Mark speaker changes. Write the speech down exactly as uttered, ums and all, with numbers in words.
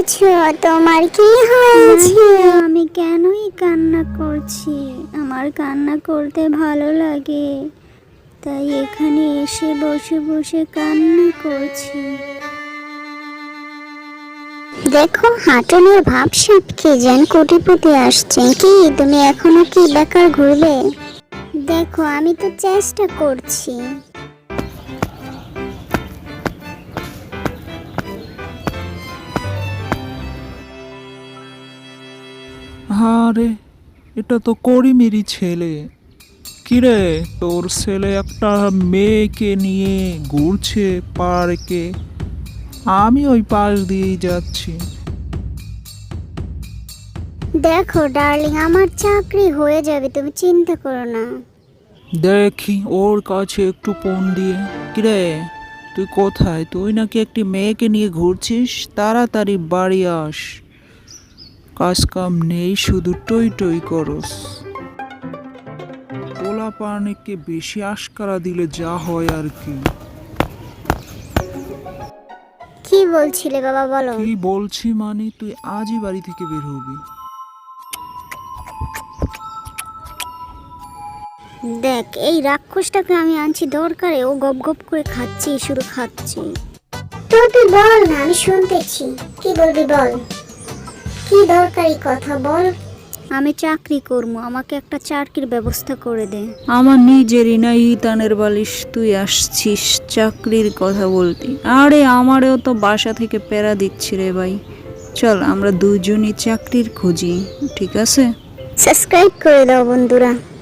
Speaker 1: করেছো? তোমার কি হয়েছে?
Speaker 2: আমি কেনই কান্না করছি? আমার কান্না করতে ভালো লাগে, তাই এখানে এসে বসে বসে কান্না করছি।
Speaker 1: দেখো হাঁটুনের ভাবসাব কি যেন কোটিপতি আসছে। কি তুমি এখনো কি বেকার ঘুরবে? দেখো আমি তো চেষ্টা করছি।
Speaker 3: আরে এটা তো করিমেরই ছেলে। কিরে, তোর ছেলে একটা মেয়েকে নিয়ে ঘুরছে পার্কে, আমি ওই পাশ দিয়েই যাচ্ছি।
Speaker 1: দেখো ডার্লিং, আমার চাকরি হয়ে যাবে, তুমি চিন্তা করো না।
Speaker 3: দেখি ওর কাছে একটু ফোন দিয়ে। কিরে, তুই কোথায়? তুই নাকি একটি মেয়েকে নিয়ে ঘুরছিস, তাড়াতাড়ি বাড়ি আস। কাজ কাম নেই, শুধু টই টই করস। পোলা পানিকে বেশি আশকারা দিলে যা হয় আর কি।
Speaker 1: কি বলছিলে বাবা, বলো।
Speaker 3: কি বলছি মানে, তুই আজই বাড়ি থেকে বের হবি।
Speaker 1: দেখ এই রাক্ষসটাকে আমি আনছি দরকারে, ও গপ গপ করে খাচ্ছি, শুধু খাচ্ছি। তো তুই বল না, আমি শুনতেছি। কি বলবি বল, কি দরকারি কথা বল।
Speaker 2: আমি চাকরি করবো, আমাকে একটা চাকরির ব্যবস্থা করে দে।
Speaker 4: আমার নিজেরই না ইতানের বালিশ, তুই আসছিস চাকরির কথা বলতি? আরে আমারেও তো বাসা থেকে প্যারা দিচ্ছি রে ভাই। চল আমরা দুজনই চাকরির খুঁজি, ঠিক আছে?
Speaker 1: সাবস্ক্রাইব করে দাও বন্ধুরা।